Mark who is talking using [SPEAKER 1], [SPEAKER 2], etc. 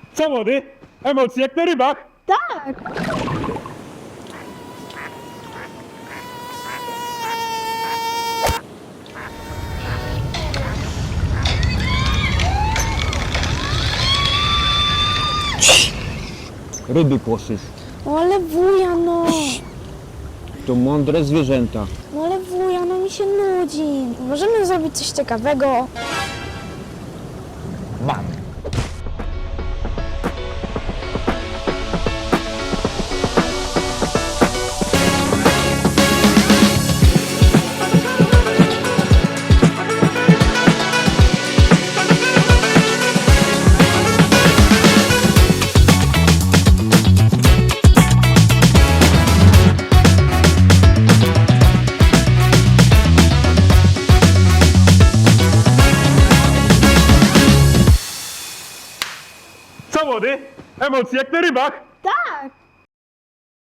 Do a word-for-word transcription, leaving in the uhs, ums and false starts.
[SPEAKER 1] Co młody? Emocje jak na rybach?
[SPEAKER 2] Tak.
[SPEAKER 3] Ryby kłoszysz.
[SPEAKER 2] No ale wuja, no.
[SPEAKER 3] To mądre zwierzęta.
[SPEAKER 2] No ale wuja, no mi się nudzi. Możemy zrobić coś ciekawego.
[SPEAKER 3] Mam.
[SPEAKER 1] Co młody? Emocje jak na rybach?
[SPEAKER 2] Tak.